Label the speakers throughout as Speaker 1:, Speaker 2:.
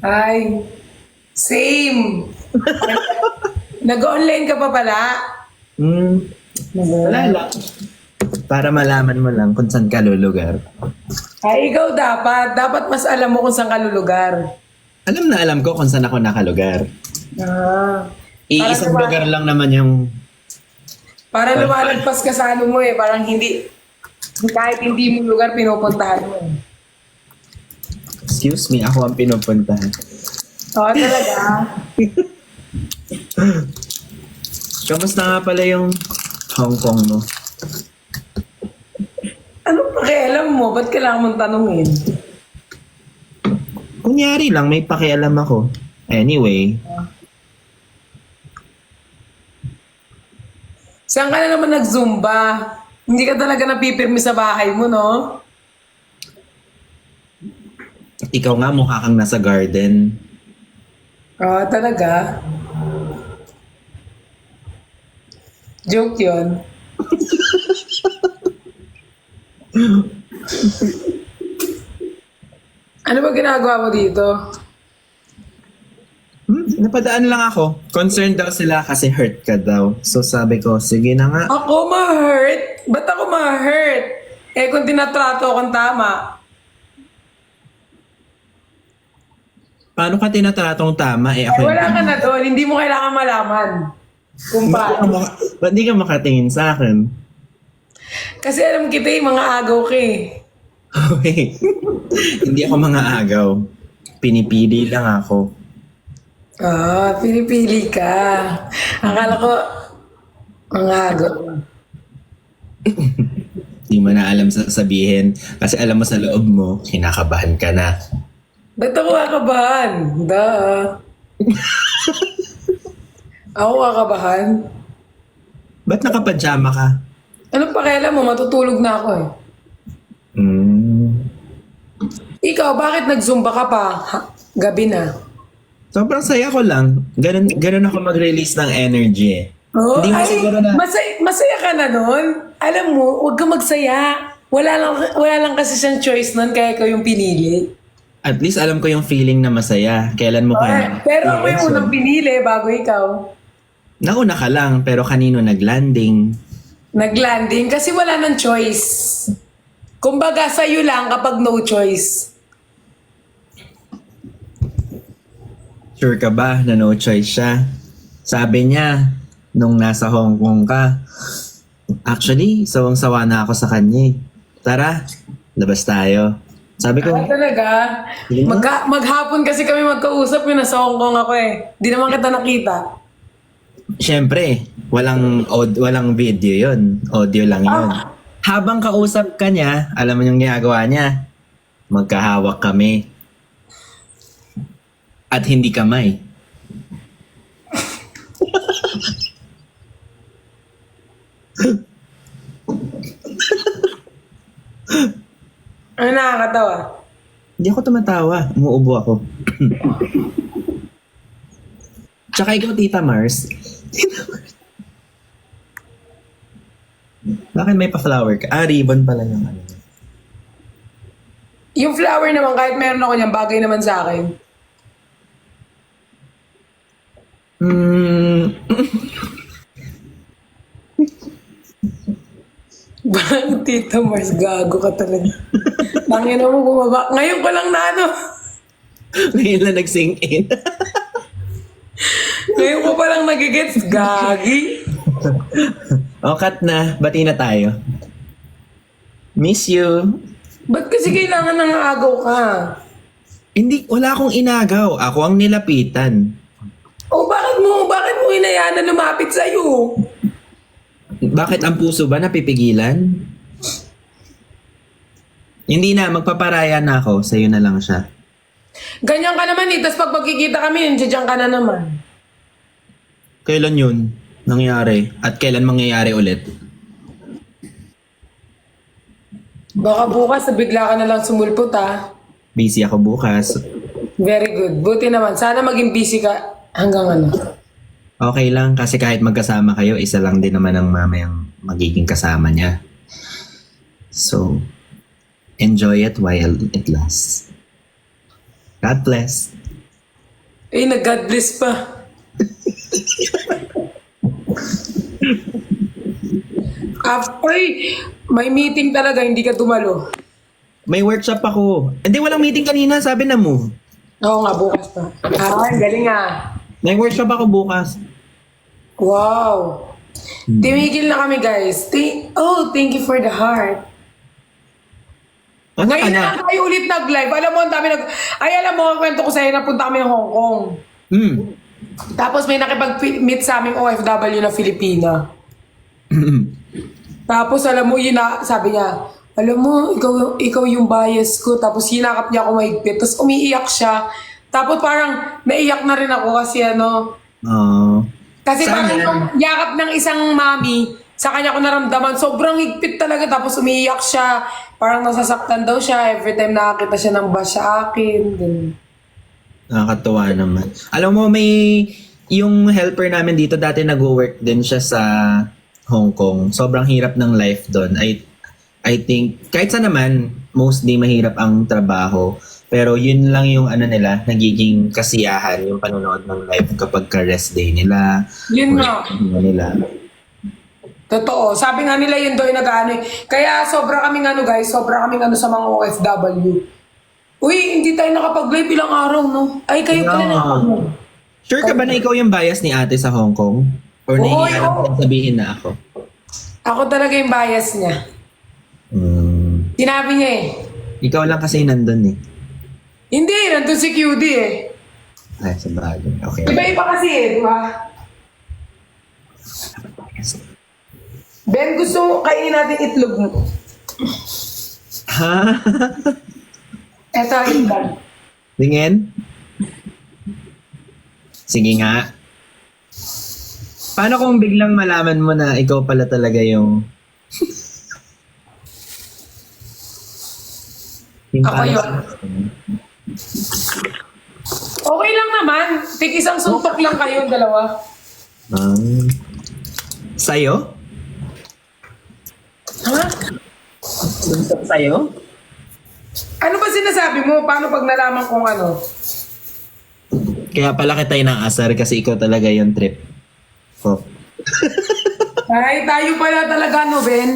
Speaker 1: Ay, same. Nag-online ka pa pala?
Speaker 2: Hmm, wala lang. Para malaman mo lang kung saan ka lulugar.
Speaker 1: Ay, ikaw dapat. Dapat mas alam mo kung saan ka lulugar.
Speaker 2: Alam na alam ko kung saan ako nakalugar.
Speaker 1: Ah.
Speaker 2: Iisang lugar lang naman yung...
Speaker 1: Para lumalagpas ka sa ano mo eh. Parang hindi, kahit hindi mo lugar, pinupuntahan mo.
Speaker 2: Excuse me, ako ang pinupuntahan.
Speaker 1: Oo, talaga.
Speaker 2: Kamusta nga pala yung Hong Kong mo?
Speaker 1: Anong pakialam mo? Ba't kailangan mong tanungin?
Speaker 2: Kunyari lang, may pakialam ako. Anyway,
Speaker 1: Saan ka na naman nag-zumba? Hindi ka talaga napipirmi sa bahay mo, no?
Speaker 2: ikaw nga mukha kang nasa garden.
Speaker 1: Oo, talaga. Joke yun. Ano ba ginagawa mo dito?
Speaker 2: Napadaan lang ako. Concerned daw sila kasi hurt ka daw. So sabi ko, sige na nga.
Speaker 1: Ako ma-hurt? Ba't ako ma-hurt? Eh kung tinatrato akong tama.
Speaker 2: Paano ka tinatratong tama? Eh ako
Speaker 1: Eh wala ka na doon. Hindi mo kailangan malaman. Kung paano.
Speaker 2: Ba't di ka makatingin sa akin?
Speaker 1: Kasi alam kita mga agaw ka eh.
Speaker 2: Wait. Hindi ako mga agaw. Pinipili lang ako.
Speaker 1: Ah, pinipili ka. Akala ko, mga agaw.
Speaker 2: Di mo na alam sasabihin. Kasi alam mo sa loob mo, kinakabahan ka na.
Speaker 1: Ba't ako kakabahan? Ako kakabahan?
Speaker 2: Ba't nakapajama ka?
Speaker 1: Anong pakialam mo? Matutulog na ako eh. Ikaw, bakit nag-zumba ka pa? Gabi na.
Speaker 2: Sobrang saya ko lang. Ganun ako mag-release ng energy eh.
Speaker 1: Oh,
Speaker 2: Hindi mo
Speaker 1: ay,
Speaker 2: siguro na...
Speaker 1: masaya ka na nun. Alam mo, huwag ka magsaya. Wala lang kasi siyang choice nun, kaya ikaw yung pinili.
Speaker 2: At least alam ko yung feeling na masaya. Kailan mo kaya?
Speaker 1: Pero ako yung unang pinili bago ikaw.
Speaker 2: Nauna ka lang, pero kanino nag-landing?
Speaker 1: Nag-landing kasi wala nang choice. Kumbaga, sa'yo lang kapag no choice.
Speaker 2: Sure ka ba na no choice siya? Sabi niya, nung nasa Hong Kong ka, actually, sawang-sawa na ako sa kanya eh. Tara, labas tayo. Sabi ko,
Speaker 1: Ah, talaga?
Speaker 2: Sige na.
Speaker 1: Maghapon kasi kami magkausap yun. Nasa Hong Kong ako eh. Di naman kita nakita.
Speaker 2: syempre, walang video yon, audio lang yon. Habang kausap ka niya, alam mo yung ginagawa niya, magkahawak kami. At hindi kamay.
Speaker 1: Ano nakakatawa?
Speaker 2: Hindi ako tumatawa, umuubo ako. Tsaka ikaw, Tita Mars. Bakit may pa-flower ka? Ah, ribbon pala yung ano.
Speaker 1: Yung flower naman, kahit meron ako niyan, bagay naman sa akin. Bang Tita Mars, gago ka talaga. Tangina mo bumaba. Ngayon ko lang na ano.
Speaker 2: Ngayon lang nag-sink in.
Speaker 1: Ngayon ko pa lang nagigets. Gagi.
Speaker 2: O, cut na. Bati na tayo. Miss you.
Speaker 1: Ba't kasi kailangan ng agaw ka?
Speaker 2: Hindi, wala akong inagaw. Ako ang nilapitan.
Speaker 1: O bakit mo hinayaan na lumapit sa'yo?
Speaker 2: Bakit ang puso ba napipigilan? Hindi na, magpaparaya na ako. Sa'yo na lang siya.
Speaker 1: Ganyan ka naman eh. Tapos pag magkikita kami, nandiyan ka na naman.
Speaker 2: Kailan yun nangyari? At kailan mangyayari ulit?
Speaker 1: Baka bukas, bigla ka na lang sumulpot ah.
Speaker 2: Busy ako bukas.
Speaker 1: Very good. Buti naman. Sana maging busy ka hanggang ano.
Speaker 2: Okay lang kasi kahit magkasama kayo, isa lang din naman ang mamayang magiging kasama niya. So, enjoy it while it lasts. God bless.
Speaker 1: Eh, nag-God bless pa. Ay, may meeting talaga, hindi ka dumalo.
Speaker 2: May workshop ako. Hindi, walang meeting kanina. Sabi na move.
Speaker 1: Oo nga, bukas pa. Ang galing ah.
Speaker 2: May workshop ako bukas.
Speaker 1: Wow. Tumigil na kami, guys. Thank you for the heart.
Speaker 2: Ano ka
Speaker 1: Ngayon
Speaker 2: na?
Speaker 1: na tayo ulit nag-live. Alam mo, ang dami alam mo, ang kwento ko sa'yo, napunta kami ng Hong Kong.
Speaker 2: Hmm.
Speaker 1: Tapos may nakipag-meet sa aming OFW na Filipina. Tapos alam mo, sabi niya, alam mo, ikaw yung bias ko. Tapos hinakap niya ako mahigpit. Tapos umiiyak siya. Tapos parang naiyak na rin ako kasi kasi
Speaker 2: Sana.
Speaker 1: parang yung yakap ng isang mami, sa kanya ko naramdaman, sobrang higpit talaga. Tapos umiiyak siya. Parang nasasaktan daw siya every time nakakita siya ng bash sa akin. Ganun.
Speaker 2: Nakakatuwa naman. Alam mo, yung helper namin dito, dati nag-work din siya sa Hong Kong. Sobrang hirap ng life doon. I think, kahit sa naman, mostly mahirap ang trabaho. Pero yun lang yung nila, nagiging kasiyahan yung panonood ng live kapag ka-rest day nila.
Speaker 1: Yun nga.
Speaker 2: Nila.
Speaker 1: Totoo. Sabi nga nila yun daw yung nag-ano eh. Kaya sobra kaming guys, sobra kaming sa mga OFW. Uy, hindi tayo nakapag-live ilang araw, no? Ay, kayo pala nakapag-live.
Speaker 2: Sure ka ba na ikaw yung bias ni ate sa Hong Kong? Or naiiyaran kong sabihin na ako?
Speaker 1: Ako talaga yung bias niya. Sinabi niya eh.
Speaker 2: Ikaw lang kasi nandun eh.
Speaker 1: Hindi, nandun si QD eh.
Speaker 2: Ay, sa bagay. Okay.
Speaker 1: Iba-iba kasi eh, di ba? Ben, gusto mo kainin natin itlog mo.
Speaker 2: Ha?
Speaker 1: Eto, itlog.
Speaker 2: Tingin? Sige nga. Paano kung biglang malaman mo na ikaw pala talaga yung...
Speaker 1: Ako yun. Okay lang naman. Tik isang suntok lang kayo, dalawa.
Speaker 2: Sa'yo?
Speaker 1: Ha?
Speaker 2: Suntok sa'yo?
Speaker 1: Ano ba sinasabi mo? Paano pag nalaman kung ano?
Speaker 2: Kaya pala kita inaasar kasi ikaw talaga yung trip. Oh.
Speaker 1: Ay, tayo pala talaga, no, Ben?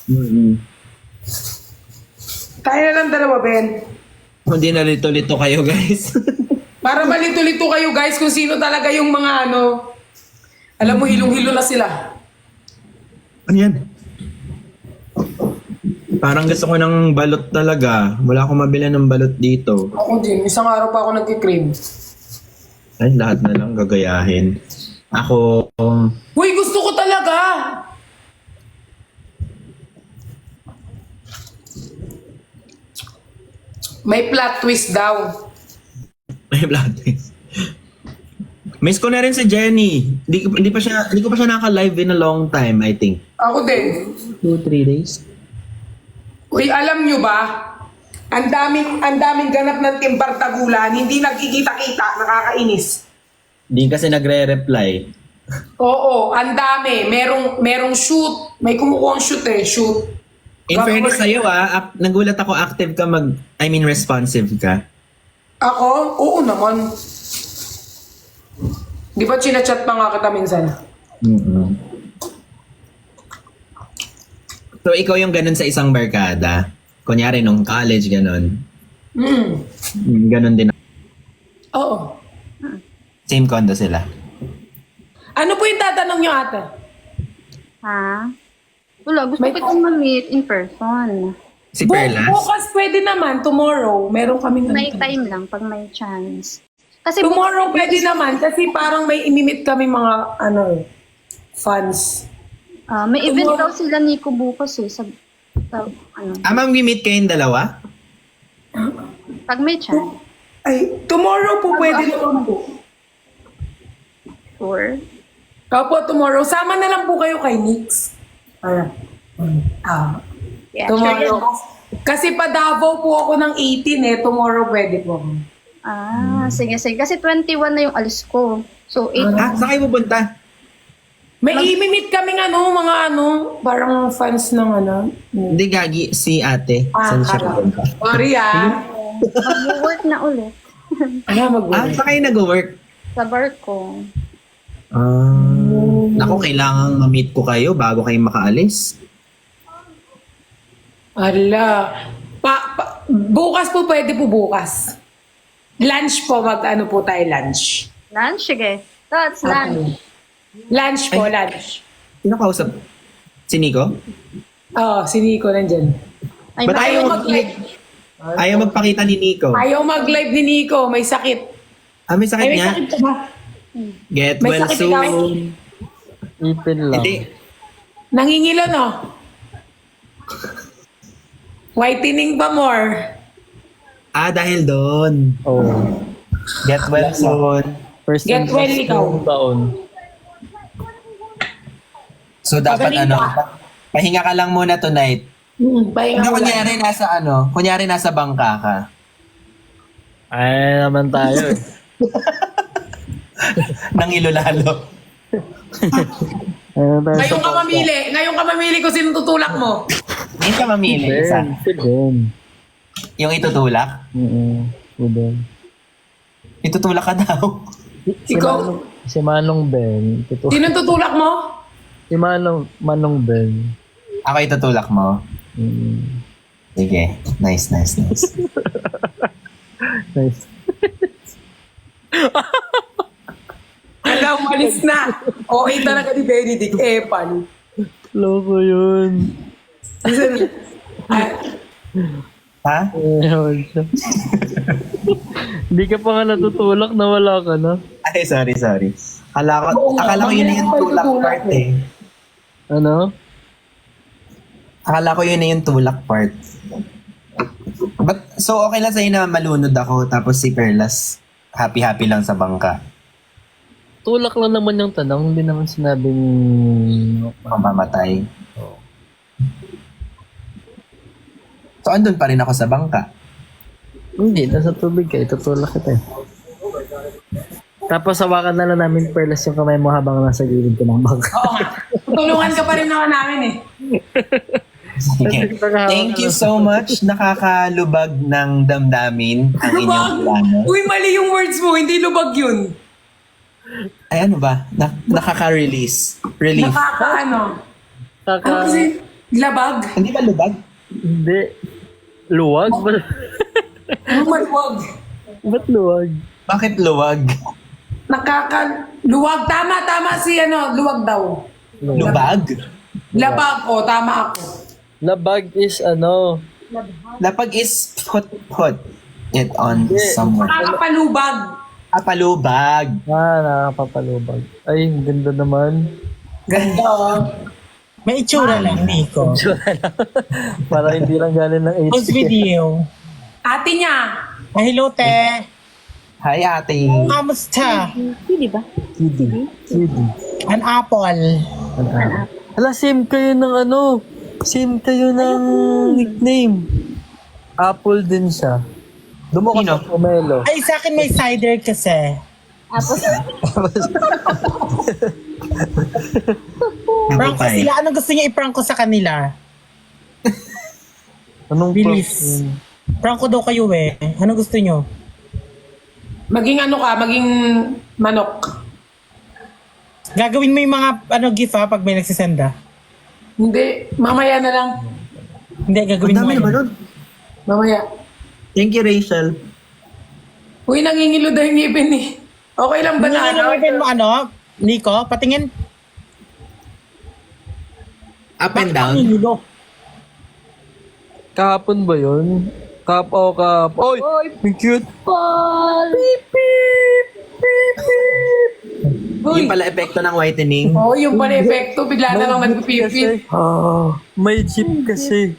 Speaker 1: Tayo na lang dalawa, Ben.
Speaker 2: Hindi na lito-lito kayo, guys.
Speaker 1: Para malito-lito kayo, guys, kung sino talaga yung mga alam mo, hilong-hilo na sila.
Speaker 2: Ano yan? Parang gusto ko ng balot talaga. Wala akong mabili ng balot dito.
Speaker 1: Ako din. Isang araw pa ako nagkikrib.
Speaker 2: Ay, lahat na lang gagayahin. Ako,
Speaker 1: Uy, gusto ko talaga! May plot twist daw.
Speaker 2: may blood test. Miss ko na rin si Jenny. Hindi ko pa siya naka-live in a long time, I think.
Speaker 1: Ako din.
Speaker 2: 2-3 days.
Speaker 1: Uy, alam nyo ba? Ang daming ganap ng Timbar Tagulan, hindi nagkikita-kita, nakakainis.
Speaker 2: Hindi kasi nagre-reply.
Speaker 1: Oo, ang dami. Merong shoot. May kumukuha shoot eh, shoot.
Speaker 2: In fairness sa'yo nagulat ako active ka responsive ka.
Speaker 1: Ako? Oo naman. Di ba chinachat pa nga kita minsan?
Speaker 2: So, ikaw yung ganun sa isang barkada. Kunyari, nung college, ganun. Ganun din.
Speaker 1: Oo.
Speaker 2: Same condo sila.
Speaker 1: Ano po yung tatanong nyo, ate?
Speaker 3: Ha? Wala, gusto ko itong ma-meet in person.
Speaker 2: Si Perlas?
Speaker 1: Bukas pwede naman, tomorrow. Meron kaming
Speaker 3: May time lang pag may chance. Kasi
Speaker 1: Tomorrow pwede naman kasi parang may imimit kami mga fans.
Speaker 3: may event daw sila Nico bukas eh. Sa
Speaker 2: Mag-meet kayong dalawa?
Speaker 3: pag may chance.
Speaker 1: Ay, tomorrow po pwede naman po.
Speaker 3: Sure.
Speaker 1: Opo, tomorrow. Sama na lang po kayo kay Nix.
Speaker 3: Yeah,
Speaker 1: Tomorrow.
Speaker 3: sure.
Speaker 1: Kasi pa Davao po ako ng 18 eh. Tomorrow pwede po.
Speaker 3: Sige. Kasi 21 na yung alis ko. So, 8.
Speaker 2: Saan kayo pupunta?
Speaker 1: May imimit kaming parang fans ng
Speaker 2: Hindi, Gagi. Si ate. Saan siya pupunta?
Speaker 1: Sorry
Speaker 3: Mag-work na ulit.
Speaker 1: Mag-work.
Speaker 2: Saan kayo nag-work?
Speaker 3: Sa barko.
Speaker 2: Naku, kailangan ma-meet ko kayo bago kayo makaalis.
Speaker 1: Ala. Bukas po, pwede po bukas. Lunch po, mag-ano po tayo lunch.
Speaker 3: Lunch? Sige. That's lunch.
Speaker 1: Lunch po, lunch.
Speaker 2: Sino kausap? Si Nico?
Speaker 1: Oo, si Nico nandyan.
Speaker 3: Ay,
Speaker 2: Ba't
Speaker 1: Ayaw
Speaker 2: ayaw
Speaker 1: mag-live.
Speaker 2: Ayaw magpakita ni Nico.
Speaker 1: Ayaw mag-live ni Nico, may sakit.
Speaker 2: May sakit
Speaker 1: Ay, may
Speaker 2: niya?
Speaker 1: sakit ka ba?
Speaker 2: Get
Speaker 1: May
Speaker 2: well
Speaker 1: sakit
Speaker 2: soon.
Speaker 1: ikaw?
Speaker 4: Ipin lang.
Speaker 2: Hindi.
Speaker 1: Nangingilo, no? Whitening pa more.
Speaker 2: Dahil doon.
Speaker 4: Oh.
Speaker 2: Get well soon.
Speaker 4: First
Speaker 1: Get well, ikaw.
Speaker 4: taon.
Speaker 2: So dapat
Speaker 1: Magaling
Speaker 2: ano,
Speaker 1: ka.
Speaker 2: pahinga ka lang muna tonight.
Speaker 1: Pahinga
Speaker 2: Hindi,
Speaker 1: mo lang.
Speaker 2: kunyari nasa bangka ka.
Speaker 4: Ay, naman tayo eh.
Speaker 2: Nang ilolalo.
Speaker 1: Ngayon ka mamili kung sino tutulak mo.
Speaker 2: Hindi ka mamili. Isa.
Speaker 4: Si Ben.
Speaker 2: Yung itutulak.
Speaker 4: Si Ben.
Speaker 2: Itutulak ka daw.
Speaker 1: Ikaw,
Speaker 4: Si Manong Ben.
Speaker 1: sino tutulak mo?
Speaker 4: Si Manong Ben.
Speaker 2: Ako itutulak mo. Sige. Nice.
Speaker 4: Nice.
Speaker 1: Alam, malis na. Okay talaga ni Benedict. Epan.
Speaker 4: Loko yun.
Speaker 2: Ha?
Speaker 4: Ewan siya. Hindi ka pa nga natutulak na wala ka na.
Speaker 2: Ay, sorry. Akala ko yun na yung
Speaker 1: Mamaya
Speaker 2: tulak
Speaker 1: ako itutulak
Speaker 2: part eh.
Speaker 4: Ano?
Speaker 2: Akala ko yun na yung tulak part. But, so okay lang sa'yo na malunod ako tapos si Perlas happy lang sa bangka.
Speaker 4: Tulak lang naman yung tanong. Hindi naman sinabing...
Speaker 2: Mamamatay. So andun pa rin ako sa bangka.
Speaker 4: Hindi, nasa tubig ka. Itutulak kita eh. Tapos hawakan na lang namin Perlas yung kamay mo habang nasa gilid ka ng bangka.
Speaker 1: Oo nga. Tulungan ka pa rin naman namin eh.
Speaker 2: Sige. Thank you so much. Nakakalubag ng damdamin ang inyong plano.
Speaker 1: Uy, mali yung words mo. Hindi lubag yun.
Speaker 2: Ay, ano ba? Nakaka-release. Relief.
Speaker 1: Ano
Speaker 4: Kaka...
Speaker 1: kasi? Labag?
Speaker 2: Hindi ba lubag?
Speaker 4: Hindi. Luwag?
Speaker 1: Ano maluwag?
Speaker 4: Ba't luwag?
Speaker 2: Bakit luwag?
Speaker 1: Luwag. Tama si luwag daw.
Speaker 2: Lubag?
Speaker 1: Labag. O, tama ako.
Speaker 4: Labag is ano?
Speaker 2: Lapag is put it on someone.
Speaker 1: Nakakapalubag.
Speaker 2: Palubag.
Speaker 4: Nakakapapalubag. Ay, ang ganda naman.
Speaker 1: Ganda oh.
Speaker 5: May itsura lang, Nico.
Speaker 4: Para hindi lang galing ng
Speaker 5: Post
Speaker 4: HP.
Speaker 5: video.
Speaker 1: Ate niya.
Speaker 5: Hello, te.
Speaker 2: Hi, ate.
Speaker 5: Kamusta?
Speaker 3: Hindi ba?
Speaker 4: Kiddy.
Speaker 5: An apple.
Speaker 4: Hala, same kayo ng ano? Same kayo ng nickname. Apple din siya. Doon mo ka
Speaker 2: Sino?
Speaker 4: sa Pomelo.
Speaker 5: Ay, sa akin may cider kasi.
Speaker 3: Tapos,
Speaker 5: Prank ko
Speaker 2: Nabutay.
Speaker 5: sila. Anong gusto niya i-prank ko sa kanila?
Speaker 4: Anong
Speaker 5: Bilis.
Speaker 4: prof?
Speaker 5: Prank ko daw kayo eh. Anong gusto niyo?
Speaker 1: Maging maging manok.
Speaker 5: Gagawin mo yung mga gift ha pag may nagsisend ha?
Speaker 1: Hindi, mamaya na lang.
Speaker 5: Hindi,
Speaker 2: Ang
Speaker 5: gagawin mo.
Speaker 2: dami
Speaker 5: yun.
Speaker 2: naman nun.
Speaker 1: Mamaya.
Speaker 2: Thank you, Rachel.
Speaker 1: Uy, nangingilo daw yung ngipin eh. Okay lang ba na
Speaker 5: Ano mo Nico? Patingin.
Speaker 2: Up and down.
Speaker 5: Nilo.
Speaker 4: Kahapon ba yun? Oy! Ang cute!
Speaker 3: Paul!
Speaker 1: Uy,
Speaker 2: Yung pala epekto ng whitening.
Speaker 1: yung pala epekto. Bigla na lang nagpipipit.
Speaker 4: May jeep kasi.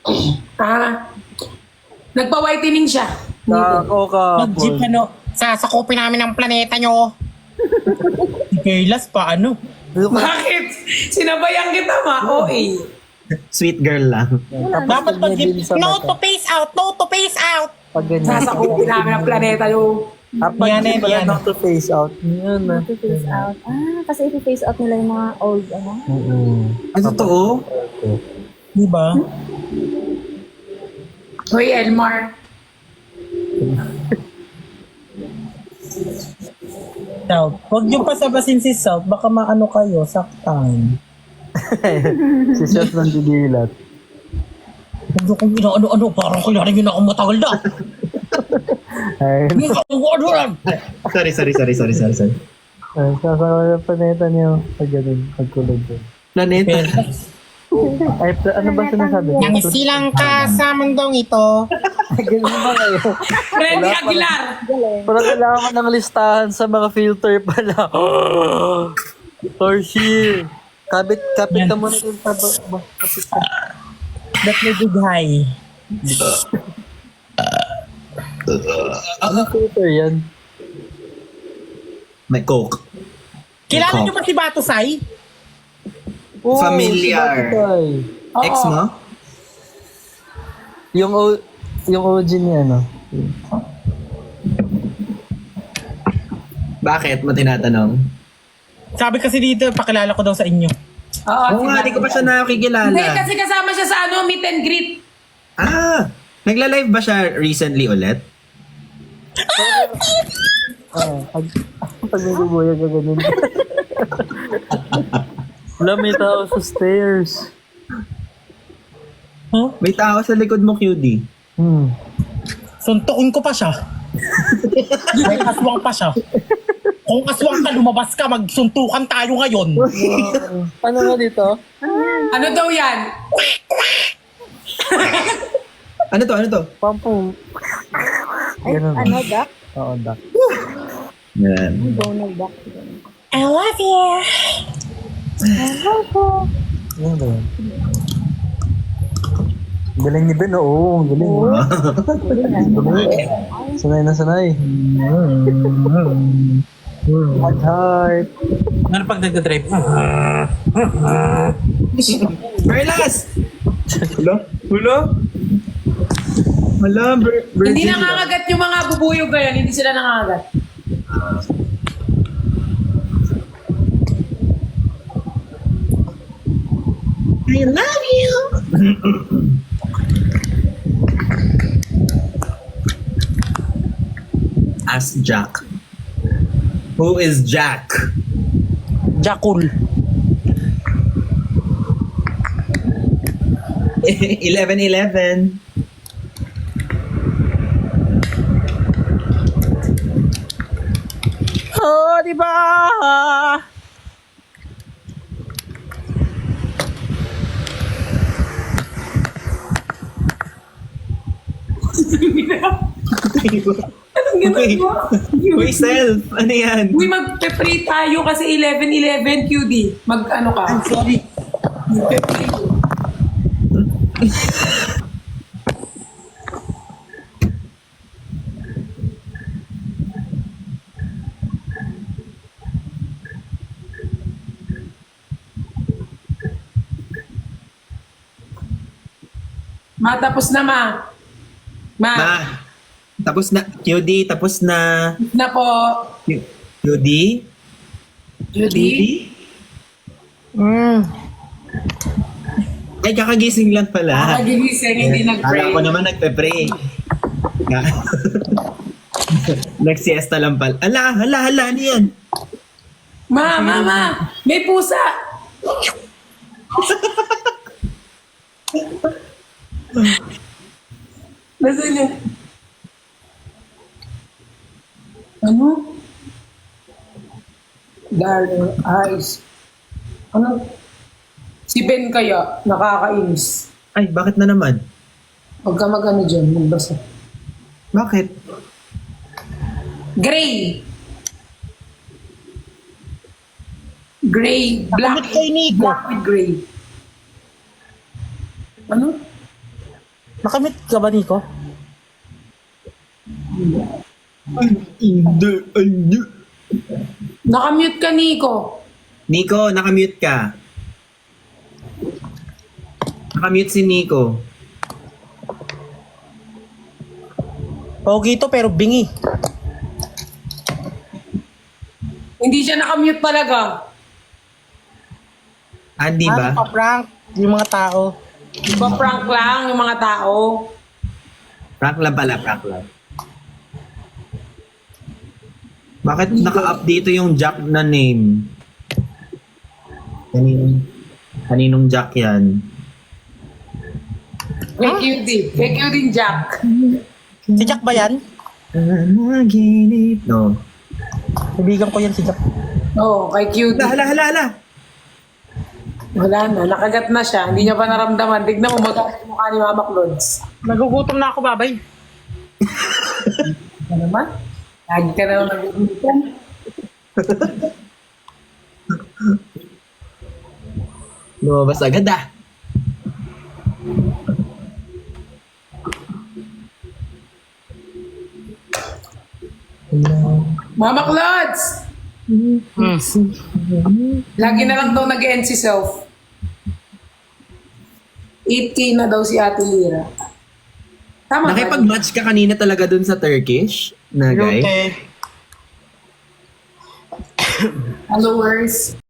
Speaker 1: Nagpa-whitening siya.
Speaker 5: Mag-jeep
Speaker 4: Kahapon.
Speaker 5: sasakupin namin ang planeta nyo. Si Perlas pa
Speaker 1: Bakit? Sinabayan kita OA.
Speaker 2: Sweet girl lang.
Speaker 5: Dapat mag-jeep. No to face out. No to face out.
Speaker 4: Pag ganyan.
Speaker 1: Sasakupin namin ang planeta yung...
Speaker 4: Pag
Speaker 5: Yan,
Speaker 4: jeep pala
Speaker 5: yan.
Speaker 4: not to face out. Yan na.
Speaker 3: face out. Kasi i-face out nila yung mga old,
Speaker 2: Ano totoo?
Speaker 5: Diba?
Speaker 1: Hoy, Elmar.
Speaker 5: South. Huwag niyo pasabasin si South. Baka maano kayo, saktan.
Speaker 4: Si Chef nandidilat.
Speaker 5: Huwag niyo kong inaano-ano. Parang kailangan niyo na akong matagal na.
Speaker 4: Ay,
Speaker 5: Huwag akong ano lang.
Speaker 2: Sorry.
Speaker 4: sasama ng planeta niyo. Pag ganun, pagkulog doon.
Speaker 2: Planeta.
Speaker 4: Ay, ano ba sinasabi?
Speaker 5: Nang silang ka sa mundong ito.
Speaker 4: Ganun ba kayo?
Speaker 1: Freddy Aguilar.
Speaker 4: Parang kailangan ng listahan sa mga filter pala. Torshi. Kapit ka muna dun sa kapit ka.
Speaker 5: That may big high.
Speaker 4: Anong filter yan?
Speaker 2: May coke.
Speaker 5: Kilala niyo ba si Batusay?
Speaker 4: Oh,
Speaker 2: Familiar.
Speaker 4: si Batutay.
Speaker 2: Ex mo?
Speaker 4: Yung OG niya, no?
Speaker 2: Bakit mo tinatanong?
Speaker 5: Sabi kasi dito, pakilala ko daw sa inyo.
Speaker 2: Oo nga, di ko pa siya nakikilala.
Speaker 1: Hindi, kasi kasama siya sa meet and greet.
Speaker 2: Ah, nagla-live ba siya recently ulit?
Speaker 4: Pag may bubuya ka ganun. Wala, may tao sa stairs.
Speaker 5: Huh?
Speaker 2: May tao sa likod mo, QD.
Speaker 5: Suntukin ko pa siya. May aswang pa siya. Kung aswang ka, lumabas ka, magsuntukan tayo ngayon.
Speaker 4: Ano nga dito?
Speaker 1: Ano daw yan?
Speaker 2: Ano to?
Speaker 4: Pampu. Ganun.
Speaker 3: Ano, Doc?
Speaker 4: Oo, duck.
Speaker 2: Yan.
Speaker 3: Donald Duck.
Speaker 5: I love you.
Speaker 4: Ano ba yan? Galing ni Ben, oo. Galing. Sanay na sanay. What heart.
Speaker 5: Ano pag nagdadrive?
Speaker 2: Perlas! Wala,
Speaker 1: Hindi nangangagat yung mga bubuyog ngayon. Hindi sila nangangagat.
Speaker 2: I love you! Ask Jack. Who is Jack?
Speaker 5: Jakul.
Speaker 2: 11-11.
Speaker 5: Oh, di ba?
Speaker 2: Uy, self! Ano yan?
Speaker 1: Uy, magpe-pray tayo kasi 11-11 QD. Mag-ano ka?
Speaker 5: I'm sorry.
Speaker 1: Magpe-pray. Tapos na, Ma.
Speaker 2: Ma, tapos na. QD, tapos na.
Speaker 1: Na po.
Speaker 2: QD?
Speaker 1: Judy?
Speaker 2: Ay, kakagising lang pala.
Speaker 1: Gigising, hindi nag-pray.
Speaker 2: Akala ko naman nagpe-pray. Nag-siesta lang pala. Hala, ano yan?
Speaker 1: Ma, may pusa. Nasaan yun? Ano? Darling eyes. Ano? Si Ben kaya, nakakainis.
Speaker 2: Ay, bakit na naman?
Speaker 1: Huwag ka mag-ano dyan, magbasa.
Speaker 2: Bakit?
Speaker 1: Gray. Gray. Black.
Speaker 5: Nakamit kay Nico.
Speaker 1: Black with gray. Ano?
Speaker 5: Nakamit ka ba, Nico?
Speaker 2: Hindi.
Speaker 1: Nakamute ka, Nico.
Speaker 2: Nico, nakamute ka. Nakamute si Nico.
Speaker 5: Pogi to pero bingi.
Speaker 1: Hindi siya nakamute talaga.
Speaker 2: Di ba?
Speaker 5: Ano ka, prank? Yung mga tao.
Speaker 1: Ipa-prank lang yung mga tao.
Speaker 2: Prank lang pala, prank lang. Bakit naka-update yung Jack na name? Kaninong Jack yan?
Speaker 1: Kay QD. Kay QD Jack.
Speaker 5: Si Jack ba yan?
Speaker 2: Panaginip. No.
Speaker 5: Kaibigan ko yan si Jack.
Speaker 1: Oo, kay QD.
Speaker 2: Hala.
Speaker 1: Wala na, nakagat na siya. Hindi niya pa naramdaman. Tignan mo, magalit yung mukha ni Mama Clods.
Speaker 5: Nagugutom na ako, babay.
Speaker 1: Ano naman? Lagi ka na naman nagugutom.
Speaker 2: Lumabas agad ah.
Speaker 1: Mama Clods! Lagi na lang daw nag-end si Self. 8K na daw si Ate Lira. Tama ba?
Speaker 2: Nakipag-match ka kanina talaga dun sa Turkish na guy?
Speaker 5: Okay.
Speaker 1: Followers.